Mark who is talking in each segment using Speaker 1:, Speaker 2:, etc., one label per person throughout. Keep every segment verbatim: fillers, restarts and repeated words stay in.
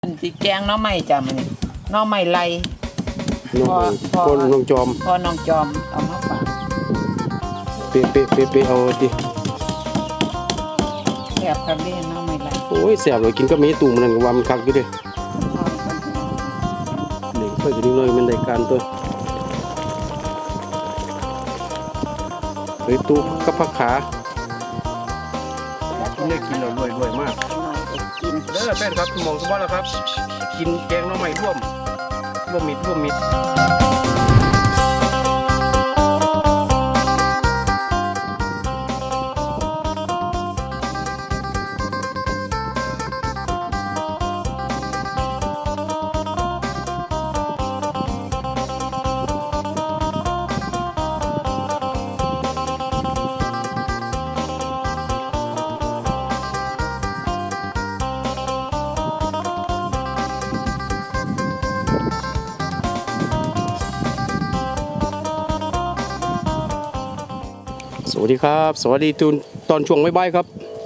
Speaker 1: อันสีแกงน้องใหม่จ้ะมันน้องใหม่ไรพอพอ
Speaker 2: น้องจอม
Speaker 1: พอน้องจอมเอามาฝาก
Speaker 2: เปะเปะเปะเปะเอาดิ
Speaker 1: แซ่บครับเล่นน้องใหม่ไร
Speaker 2: โอ้ยแซ่บเลยกินก็มีตุ่มนั่นว่ามันคักอยู่ดิเด็กไปกันเลยมันได้การตัวเฮ้ยตู้กับผักขากินได้กินแล้วรวยรวยมากเด้อแฟนครับมองสบายแล้วครับกินแกงน้องใหม่ร่วมร่วมมิตรร่วมมิตรสวัสดีครับสวัสดีตูนตอนช่วงบ่ายๆครับ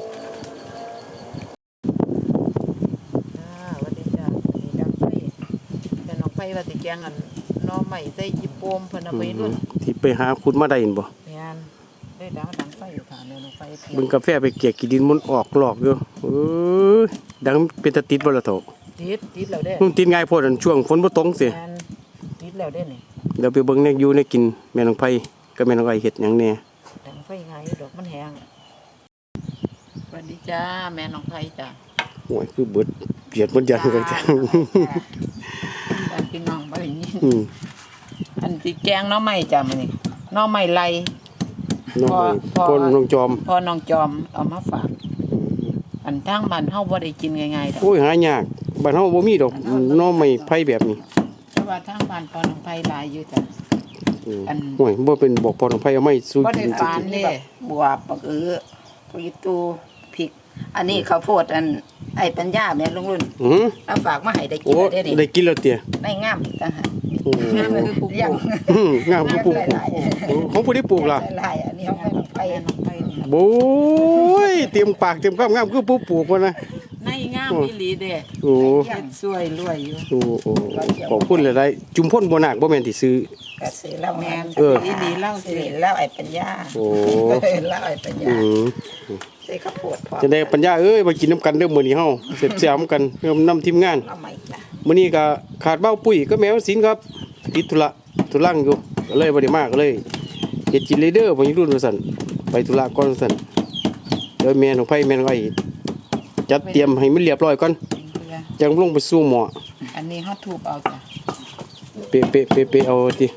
Speaker 1: สวัสดีจ้ะนี่ดังไฟแต่น้องไฟว่าสิแกงอันน้องใหม่ใส่จิโปมเพิ่นเอาไปรุ่น
Speaker 2: ที่ไปหาคุณมาได้ยินบ่
Speaker 1: แม่นได้ดังดังไฟอยู่ค่ะน้องไฟ
Speaker 2: บึงกาแฟไปเกี่ยกินดินมันออกหลอกอยู่เออดังเป็นตะติดบ่ล่ะโถ
Speaker 1: ติดติดแล้วเด้
Speaker 2: มันติดง่ายโพดอันช่วงฝนบ่ตกสิ
Speaker 1: แม่นติดแล้วเด้นี่
Speaker 2: เดี๋ยวไปเบิ่งแนอยู่ในกินแม่น้องไผกับแม่น้องไอ้เฮ็ดหยังแน่
Speaker 1: ดังไฟง่ายดอกมันแห้งสวัสดีจ้าแม่น้องไผจ้ะ
Speaker 2: โอ้ยคือเบิดเปียดหมดยันกันจัง
Speaker 1: บ้านพี่น้องบ่ได้ยินอืมอันสิแกงน้องใหม่จ้ะมื้อนี้น้องใหม่ไร
Speaker 2: น้องพอน้องจอม
Speaker 1: พอน้องจอมเอามาฝากอันทางบ้านเฮาบ่ได้กินง่ายๆดอก
Speaker 2: โอ้ยหายากบ้านเฮาบ่มีดอกน้องใหม่ไผแบบนี้
Speaker 1: แต่ว่าทางบ้านพอน้องไผหลายอยู่จ้ะ
Speaker 2: อันโอ้ยบ่เป็นบอกพอน้องไผเอาไม้สู้
Speaker 1: บ่ได้ฝานเด้บวบบักเอือผักอีตูพริกอันนี้ข้าวโพดอันไอ้ปัญญาแม่ลุงรุ่น
Speaker 2: อือ
Speaker 1: เอาฝากมาให้ได้กินได้ดิ
Speaker 2: ได้กินแล้วเตี้ย
Speaker 1: ได้งามต่างหากงามคือปลูกยัง
Speaker 2: งามคือปลูกของผู้ที่ปลูกล่ะ
Speaker 1: หลายอันนี้ของน้องไผน้องไผ
Speaker 2: โอ้ยเตรียมปากเตรียมคำงามคือผู้ปลูกว่านะ
Speaker 1: ในงามอีหลีเด้
Speaker 2: โอ้
Speaker 1: เฮ็ดสวยรวยอยู่
Speaker 2: โอ้โอ้ขอบคุณหลายๆจุมพ่นบ่นาคบ่แม่นที่ซื้อ
Speaker 1: ก็ซื้อแล้วแม่นเออดีๆเล่าสิแล้วไอ้ปัญญา
Speaker 2: โอ้
Speaker 1: แล้วไอ้ปัญญา
Speaker 2: อือ
Speaker 1: ใส่ข้าวโพดพอ
Speaker 2: จะได้ปัญญาเอ้ยมากินน้ำกันเด้อมื้อนี้เฮาเสร็จแซ่บกันเริ่มนำทีมงานมื้อนี้ก็ขาดเบ้าปุ้ยก็แมวศิลป์ครับติดธุระธุรังอยู่ก็เลยบ่ได้มาก็เลยเฮ็ดกินเลยเด้อบ่อยู่รุ่นว่าซั่นไปธุระก่อนว่าซั่นเดี๋ยวแม่ของไผแม่ของไอ้จัดเตรียมให้มันเรียบร้อยก่อนจังลงไปสู่หม้อ
Speaker 1: อันนี้เฮาทุบเอาจ้ะ
Speaker 2: เปะเปะเปะเปะเอาติ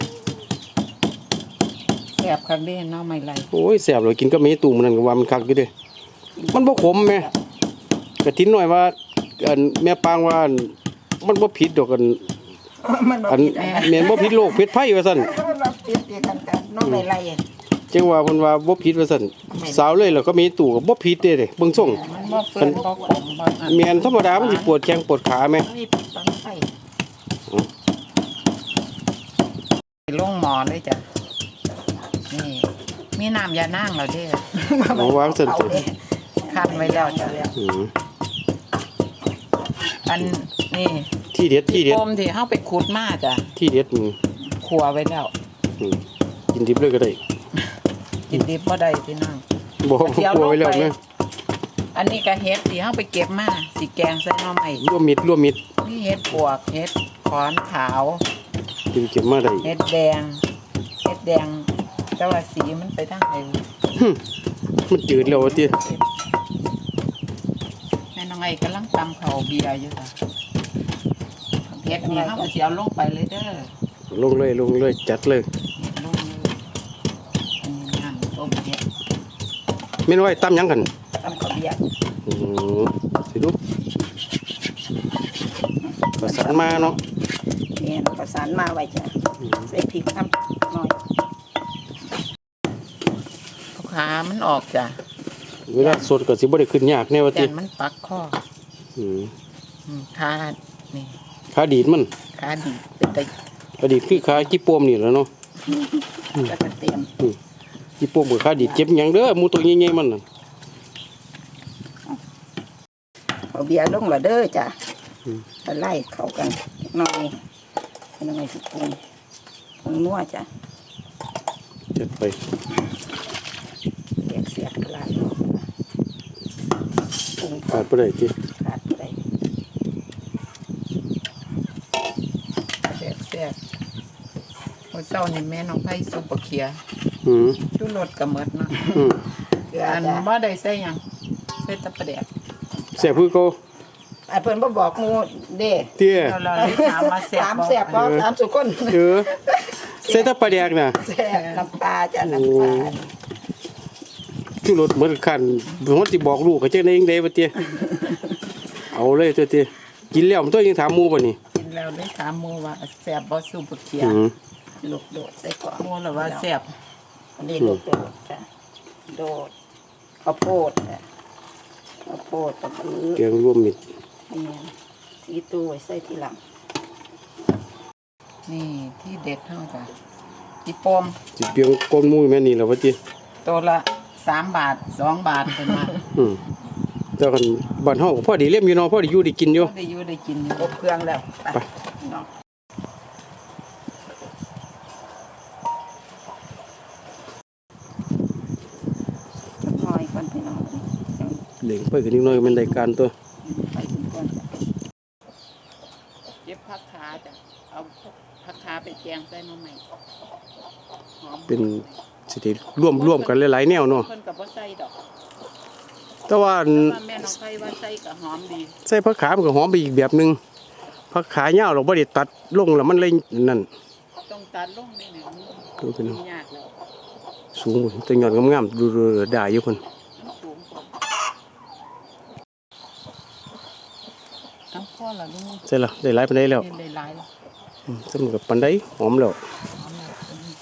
Speaker 1: แซ่บคักเด้น้องใหม่ไร
Speaker 2: โอ้ยแซ่บเลยกินก็มีตุ่มนั่นก็ว่ามันคักอยู่เด้มันบ่ขมแม่กะทินหน่อยว่าอันแม่ปางว่ามันบ่ผิดดอกกันอันแม่นบ่ผิดโรคผิดภัยว่าซั่น
Speaker 1: น้องใหม่ไร
Speaker 2: จังว่าเพิ่นว่าบ่ผิดว่าซั่นสาวเลยแล้วก็มีตู่ก็บ่ผิดเด้เด้เบิ่งส่ง
Speaker 1: มันบ่เฟิ่นบ่ขมบ่อัน
Speaker 2: แม่นธรรมดามันสิปวดแข้งปวดขาแม่
Speaker 1: ลงหมอเลยจ้ะนี่มีน้ำยานางแล้วเด้
Speaker 2: อวางซั่น
Speaker 1: คั่นไว้แล้วจ้ะอืออันนี่
Speaker 2: ที่เด็ดที่เด็ด
Speaker 1: ปมที่เฮาไปขุดมาจ้ะ
Speaker 2: ที่เด็ดนี่
Speaker 1: คั่วไว้แล้ว
Speaker 2: อือกินดิบเลยก็ได้
Speaker 1: กินดิบบ่ได้พี่น้อง
Speaker 2: บ่คั่วไว้แล้วแม่
Speaker 1: อันนี้ก็เฮ็ดที่เฮาไปเก็บมาสิแกงใส่หน่อไม้
Speaker 2: รวมมิตรรวมมิตร
Speaker 1: มีเฮ็ดปวกเฮ็ดขอนขาว
Speaker 2: กินเก็บมาได้
Speaker 1: เฮ็ดแดงเฮ็ดแดงแต่ว่าสีมันไปทางไหน
Speaker 2: มันจืดแล้วติ
Speaker 1: แม่น้องไอ้กำลังตำข้าวเบียร์อยู่จ้ะเฮ็ดนี่เฮาก็สิเอาลงไปเลยเด้อ
Speaker 2: ลงเลยลงเลยจัดเลย
Speaker 1: ลงเลยอันนี้น้ำต้มเฮ็ด
Speaker 2: แม่นไว้ตำหยังกัน
Speaker 1: ตำข้าวเบียร์
Speaker 2: อือสิดูประสานมาเนาะ
Speaker 1: นี่ประสานมาไว้จ้ะใส่พริกน้ำหน่อยขามันออกจ้ะ
Speaker 2: เวลาสดก็สิบ่ได้ขึ้นยากแน่ว่าติ
Speaker 1: มันปักคอ
Speaker 2: อือ
Speaker 1: ขานี่
Speaker 2: ขาดีดมัน
Speaker 1: ขาดีดเป็นตะ
Speaker 2: ขาดีดคือขาจิปมนี่แหละเนาะ
Speaker 1: แล้วก็เตรียม
Speaker 2: จิปมกับขาดีดเจ็บหยังเด้อหมูตัวใหญ่ๆมันน่ะ
Speaker 1: เอาเบียร์ลงละเด้อจ้ะจะไล่เข้ากันหน่อยเป็นยังไงสิปรุงปรุงนัวจ้ะ
Speaker 2: จัดไป
Speaker 1: เสียกเสียกลายปรุง
Speaker 2: ขาดบ่ได้ติ
Speaker 1: ขาดไป
Speaker 3: แซ่บแซ่บโอ้ยเศร้านี่แม่น้องไผ่ซุปบะเขีย
Speaker 2: อืม
Speaker 3: ชูรสกระเมิดเนาะ
Speaker 2: อืม
Speaker 1: เกลือ
Speaker 3: อัน
Speaker 1: จ้ะ
Speaker 3: บ่ได้ใส่หยังใส่แตะปลาแดก
Speaker 2: แซ่บคือเก่า
Speaker 1: ไอ้เพิ่นบ่บอกหมูเด้
Speaker 2: เตี้ย
Speaker 3: เราเราเลยถามว่าแซ่บ
Speaker 1: สาม
Speaker 3: บ่
Speaker 1: แสบบ่สามสุคน
Speaker 2: เออใส่แตะปลาแดกน่ะ
Speaker 1: แสบน้ำปลาจ้ะน้ำปลา
Speaker 2: ชูรสเหมือนคันผมสิบอกลูกก็จังได๋จังได๋บ่เตี้ยเอาเลยตัวเตี้ยกินแล้วมันตัวยังถามหมู่บ่นี่
Speaker 3: กินแล้วเลยถามหมู่ว่าแซ่บบ่ซุปบะเขีย
Speaker 2: อืม
Speaker 1: ลูกโดดใส่ก่อน
Speaker 3: หมู่แล้วว่าแซ่บ
Speaker 1: อันนี้ลูกโดดจ้ะโดดข้าวโพดจ้ะข้าวโพดตะกือ
Speaker 2: แกงรวมมิตร
Speaker 1: นี่ทีตู้ไว้ใส่ทีหลัง
Speaker 3: นี่ที่เด็ดเฮาจ้ะอีปม
Speaker 2: สิเปียงก้นหมู่แม่นี่ล่ะว่าติ
Speaker 3: ตัวละสามบาทสองบาทเพิ่นว่า
Speaker 2: อืมแต่กันบ้านเฮาก็พอดีเล่มอยู่เนาะพอดีอยู่ได้กินอยู่
Speaker 3: ได้อยู่ได้กินอยู่
Speaker 1: อบเครื่องแล้ว
Speaker 2: ไป
Speaker 1: เนาะจักหน่อยก่อนพี่น้อง
Speaker 2: เหล่งไปกันนิดหน่อยก็เป็นรายการตัว
Speaker 1: ไปถึงก่อนจ้ะ
Speaker 3: เก็บผักขาจ้ะเอาผักขาไปแกงใส่หน่อไม้หอม
Speaker 2: เป็นสิได้ร่วมร่วมกันหลายๆแนวเนาะ
Speaker 3: เพิ่นก็บ่ใส่ดอก
Speaker 2: แต่ว่าอัน
Speaker 3: แต่ว่าแม่น้องไผ่ว่าใส่ก็หอมดี
Speaker 2: ใส่ผักขามันก็หอมไปอีกแบบหนึงผักขายาวเราบ่ได้ตัดลงแล้วมันเลยนั่น
Speaker 3: ต้องตัดลงนี่เนี่ยมัน
Speaker 2: ดูพี่น้อง
Speaker 3: ยากแล้ว
Speaker 2: สูงแต่ยอดงามๆดูๆได้อยู่คน
Speaker 3: มันสูงกว่าทั้งพ่อละลูก
Speaker 2: ใช่ละได้หลายปานใดแล้ว
Speaker 3: เล่นได้หลายแล้ว
Speaker 2: อืมสำกับปานใดหอมแล้ว
Speaker 3: หอมแล้วอืม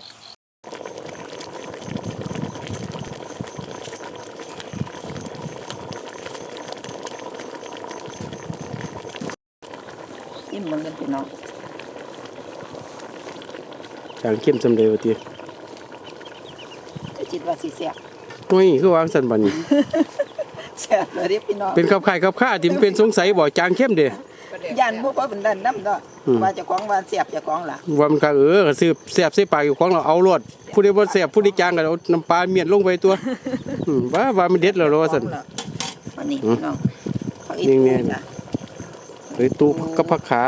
Speaker 1: อิ่มเหมือนกันพี่น้อง
Speaker 2: จางเข้มสำเร็จว่าติ
Speaker 1: จะจิตว่าสิแซ่บ
Speaker 2: โอ้ยคือวางสั่นบัดนี้
Speaker 1: แซ่บเลยเด้พี่น้อง
Speaker 2: เป็นขับข่ายขับข้าที่มันเป็นสงสัยบ่จางเข้มเด้
Speaker 1: ย่านบ่พอเป็นดันน้ำดอก
Speaker 2: อืม
Speaker 1: ว่าเจะของว่าแซ่บเจะของล่ะ
Speaker 2: ว่ามันก็เออก็ซื้อแซ่บใส่ปากอยู่ของเราเอารวดผู้ใดบ่แซ่บผู้ใดจางก็เอาน้ำปลาเมียนลงไปตัวอืมว่าว่ามันเด็ดแล้วเหรอว่าซั่น
Speaker 1: วันนี้
Speaker 2: อืม
Speaker 1: พี่น้องเขาอี
Speaker 2: นี่
Speaker 1: ก
Speaker 2: ไง
Speaker 1: จ้ะ
Speaker 2: เอ้ยตู้กับผักขา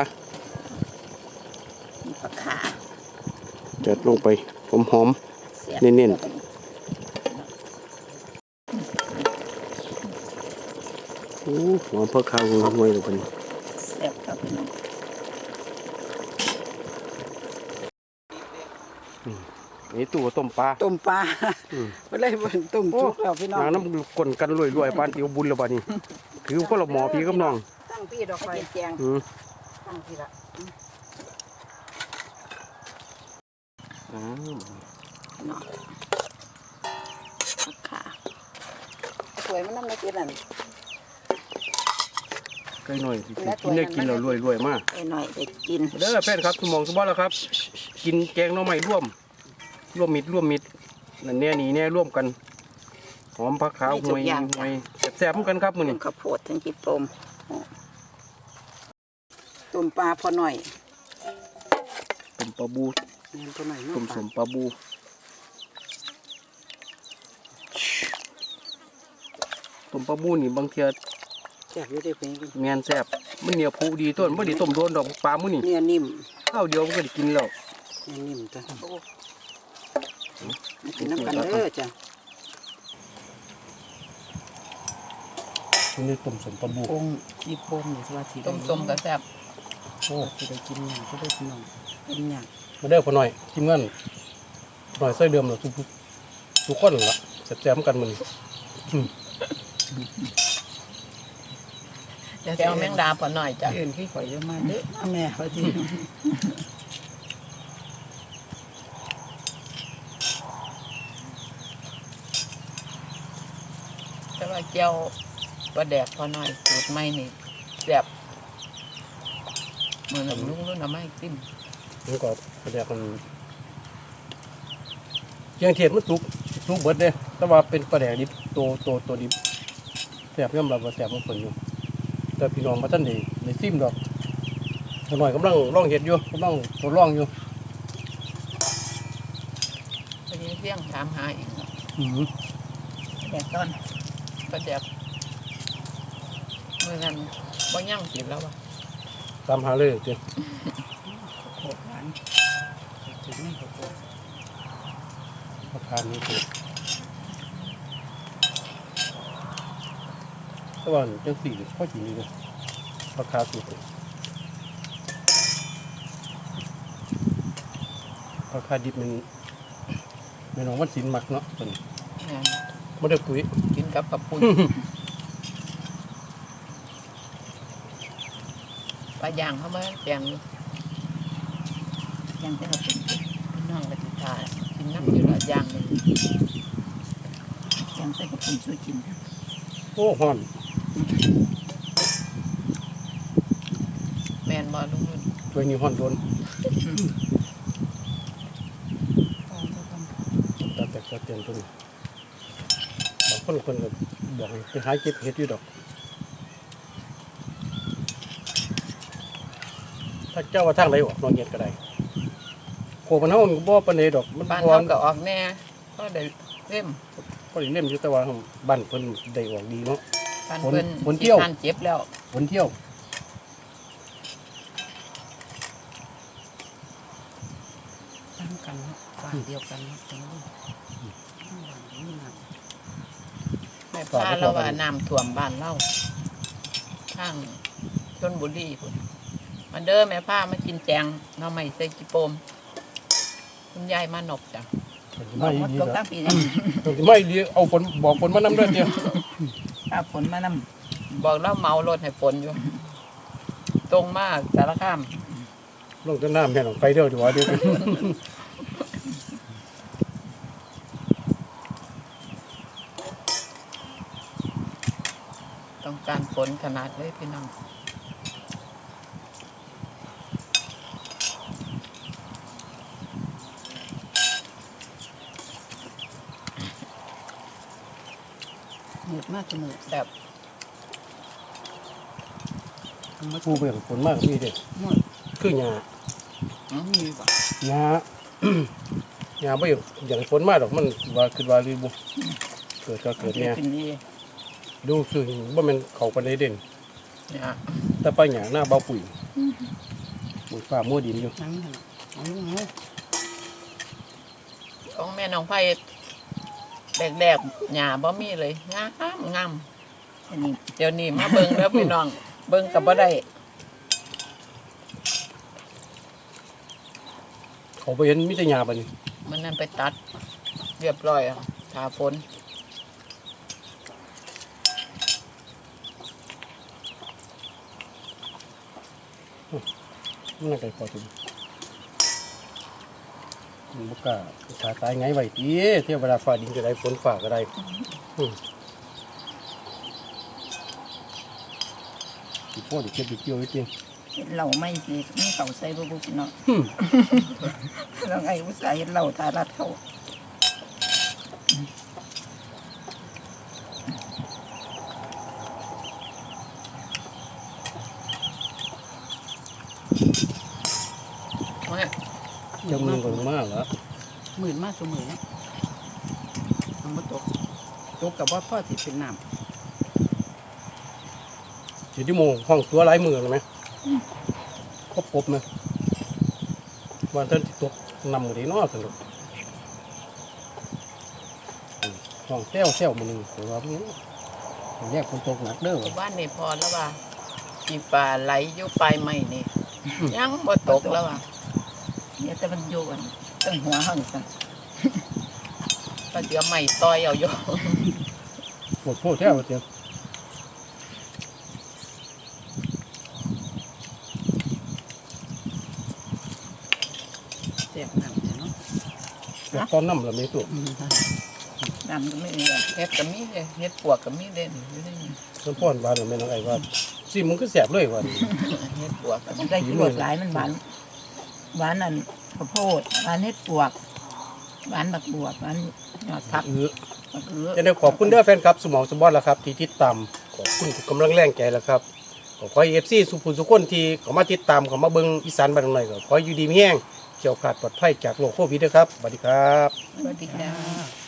Speaker 1: มีผักขา
Speaker 2: จัดลงไปหอม
Speaker 1: แซ่บ
Speaker 2: เน้น ๆโอ้หอมผักขาห่วยๆเลยบัดนี้
Speaker 1: แซ่บครับพี่น้อง
Speaker 2: นี่ตู้ต้มปลา
Speaker 1: ต้มปลา
Speaker 2: อืม
Speaker 1: บ่ได้บ่ต้มสุกแล้วพี่น้อง
Speaker 2: นางน้ำกลนกันรวยๆปานติวบุญแล้วบัดนี้ถือคนละหมอพี่กับน้อง
Speaker 1: ตั้งพี่ดอกไฟแจง
Speaker 2: อืม
Speaker 1: ตั้งพี่ละ
Speaker 2: อ้าว
Speaker 1: เนาะผักขาสวยมันนำได้กินนั่น
Speaker 2: ใกล้หน่อยสิกินได้กินแล้วรวยๆมาก
Speaker 1: ไอ้หน่อยได้กิน
Speaker 2: เด้อแฟนครับสมองสมบัติแล้วครับ กินแกงหน่อไม้ร่วม ร่วมมิตรร่วมมิตรนั่นแน่นี่แน่ร่วมกัน หอมผักขาวหวยหวยแซ่บๆเหมือนกันครับมื้อ
Speaker 1: ทั้
Speaker 2: นี้
Speaker 1: งข้าวโพดทั้งจิปมต้มปลาพอหน่อย
Speaker 2: ต้มปลาบู
Speaker 1: แม่นพอหน่อยเนาะ
Speaker 2: ต้มสมปลาบูต้มปลาบูนี่บางเทีย
Speaker 1: แซ่บอยู่เด้อเพิ่น
Speaker 2: แมนแซ่บมันเหนียวผูดีต้นบ่ได้ต้มโดนดอกปลามื้อนี่
Speaker 1: เนื้อนิ่ม
Speaker 2: ข้าวเดียวมันก็ได้กินแล้ว
Speaker 1: เนื้อนิ่มจ้ะมันเป็นน้ำกันเด้อจ้ะ
Speaker 2: นี่ต้มสมปลาบู
Speaker 1: องจิปมนี่สิว่าสิ
Speaker 3: ต้มส้มก็แซ่บ
Speaker 2: โอ้
Speaker 1: สิได้กินหยังก็ได้พี่น้องกินหยัง
Speaker 2: มาเด้อพอหน่อยทีมงานหน่อยใส่เดิมแล้วทุกทุกคนล่ะแซ่บๆเหมือนกันมื้อนี้
Speaker 3: แกวแมงดาพอหน่อยจ้ะ
Speaker 1: เอื่นขี้ข่อยเยอะมากเด้อแม่เขาสิ
Speaker 3: แต่ว่าแก้วปลาแดกพอหน่อยสูตรใหม่นี่แซ่บเหมือนกับลุงรุ่นเอาไม้จิ้ม
Speaker 2: มันก็แสดงมันเชียงเทียนมันสุกสุกเบิดเด้แต่ว่าเป็นปลาแดกดิบโตโตโตดิบแซ่บย่อมรับว่าแซ่บมันคนอยู่แต่พี่น้องมาท่านได้ได้ซิมดอกตัวหน่อยกำลังลองเห็ดอยู่กำลังทดลองอยู่
Speaker 3: ไปยังเสี่ยงถามหาอีก
Speaker 2: อืม
Speaker 1: แดดต้น
Speaker 3: ประเดี๋ยวเมื่อนั้นบ่ย่างกินแล้ววะ
Speaker 2: ตามหาเลยเจ้า
Speaker 1: โคตรหวานถึงนี่ก็โคตร
Speaker 2: มาทานนี่เจ้าแต่ว่าจังสี่พ่อจีนี่เลยราคาสูงราคาดิบมันแม่น้องวันศิลป์มักเนาะเป็น
Speaker 3: แม่น
Speaker 2: ไม่ได้ปุ๋ย
Speaker 3: กินกับกับปุ้ยปลาย่างเข้ามาแกงอยู่
Speaker 1: ยังเป็นเอาเป็น
Speaker 3: พี่น้องก็ติทานกินน้ำอยู่ละอย่างหนึ่ง
Speaker 1: ยังใส่กระปุกสู้กิน
Speaker 2: โอ้ฮ้อน
Speaker 3: แมนบอลุงนุ่น
Speaker 2: ถ้วยนี้ฮ้อนโดนตาแตกตาเตียนตัวนี้บางคนคนก็บอกให้ไปหาเก็บเห็ดอยู่ดอกถ้าเจ้าว่าทางไหนออกนอนเห็ดก็ได้โคมันเฮามันก็บ่ปานใดดอกมัน
Speaker 3: บ้าน
Speaker 2: พอ
Speaker 3: เขาก็ออกแน่ก็ได้เล่ม
Speaker 2: ก็ได้เล่มอยู่แต่ว่าบ้านเพิ่นได้ออกดีเนาะ
Speaker 3: บ้าน
Speaker 2: ฝน
Speaker 3: เพิ่น
Speaker 2: ฝนเที่ยว
Speaker 3: ทานเจ็บแล้ว
Speaker 2: วันเที่ยว
Speaker 1: ตั้งกันบ้านเดียวกันตรงนี้บ้านนี้นะ
Speaker 3: แม่พาเราว่าน้ำท่วมบ้านเราทางชลบุรีพุ่นมาเด้อแม่พามากินแจงหน้อไม่ใส่กิโปมคุณยายมานกจ้ะ
Speaker 2: เพิ่นสิ
Speaker 1: บอ
Speaker 2: มาก อี
Speaker 1: หมด
Speaker 2: ดี
Speaker 1: ตก
Speaker 2: ดอก
Speaker 1: ตั้งปีนี้
Speaker 2: เพิ่นสิมาอีดีเอาฝนบอกฝนมานำเด้อเดียว
Speaker 1: ป้าฝนมาน
Speaker 3: บอกเราเมารถให้ฝนอยู่ ตรงมาสารคาม
Speaker 2: ลงต้นน้ำแม่นออกไปเด้อดีกว่าเดี๋ยว
Speaker 3: ต้องการฝนขนาดเลยพี่น้อง
Speaker 1: ำเหนื่อยมากเสมอ
Speaker 3: แบบ
Speaker 2: ผู้เบิ่งฝนมากมีเด้
Speaker 1: หมด
Speaker 2: คือหญ้า
Speaker 3: อื้อมีบ่
Speaker 2: หญ้า หญ้าบ่อยากอย่างฝนมาดอกมันว่าคือว่าลือบ่เกิดก็เกิดเนี่ย
Speaker 1: กินดี
Speaker 2: ดูคือบ่แม่นเข้าปานใดเด่น
Speaker 3: เนี่ย
Speaker 2: แต่ไปหญ้าหน้าเบาปุ๋ยปุ๋ยฟ้ามัวดินอยู่
Speaker 1: นั่งหันเอาลูกเอา
Speaker 3: ของแม่น้องไผ่แรกๆหญ้าบ่มีเลยงามงาม
Speaker 1: อันนี้
Speaker 3: เดี๋ยวนี้มาเบิ่งแล้วพี่น้อง เบิ่งกับบ่ได้
Speaker 2: เขาไปเห็นมีแต่หญ้าบัดนี้
Speaker 3: มันนั่นไปตัด เรียบร้อยอ่ะทาฝน
Speaker 2: มันน่าไกลพอถึงมันบ่กล้าขาตายไงไว้ติเที่ยวเวลาฟ้าดินก็ได้ฝนฟ้าก็ได้อืมสิพ่อสิเก็บสิเกี่ยวไว้ติ
Speaker 1: เห็ดเหล่าไม่สิมีเขาใส่บุบุกินเนาะ
Speaker 2: อืม
Speaker 1: แล้วไงอุตส่าห์เห็ดเหล่าทารัดเขา
Speaker 3: มา
Speaker 2: เจ้ามึงก็มาแล้ว
Speaker 1: หมื่นมากตัวหมื่นนะมันมาตกตกกับว่าพ่อสิเป็นน้
Speaker 2: สิที่โมงห้องตัวหลายมือเลยไหมครบครบไหมวันท่านสิตกนำมือดีเนาะสนุกอืมห้องแซวแซวมือหนึงแต่ว่ามันแยกคนตกหนักเด้อ
Speaker 3: หมู่บ้านนี่พอแล้วว่ากีปลาไหลอยู่ปลายไม้นี่ ยังบ่ตกแล้วว่ะ
Speaker 1: ำเนี่ยแต่มันโยนตั้งหัวห้องกัน
Speaker 3: ก็เดี๋ยวใหม่ต่อยเอาอยู่
Speaker 2: ปวดโพดแซวเดียว
Speaker 1: เสียบน้ำเนาะ
Speaker 2: อยากตอนน้ำละไม่ตัว
Speaker 1: น้ำก็ไม่มีอะ
Speaker 3: เฮ็ดก็มีเด้เฮ็ดปวกก็มีเด่นอยู่ในนี้
Speaker 2: น้ำพ่อนบานละไม่น้องไอ้ว่าสิมึงก็แสบเลยว่า
Speaker 3: เฮ็ดปวกก็มี
Speaker 1: ได้กินรสหลายมันหวานหวานนั่นข้าวโพดหวานเห็ดปวกหวานบักบวบหวานยอดผัก
Speaker 2: เออ
Speaker 1: บักเอือ
Speaker 2: จะได้ขอบคุณเด้อแฟนครับสมองสมบอลแล้วครับ ที่ติดตามขอบคุณทุกกำลังแรงใจแล้วครับ ขก็ขอให้ เอฟ ซี สุขุมสุขคนที่เขามาติดตามเขามาเบิ่งอีสานบ้านหน่อยก็ขอให้อยู่ดีมีแห้งเกี่ยวขาดปลอดภัยจากโรคโควิดด้วยครับสวัสดีครับ
Speaker 3: สวัสดีค่ะ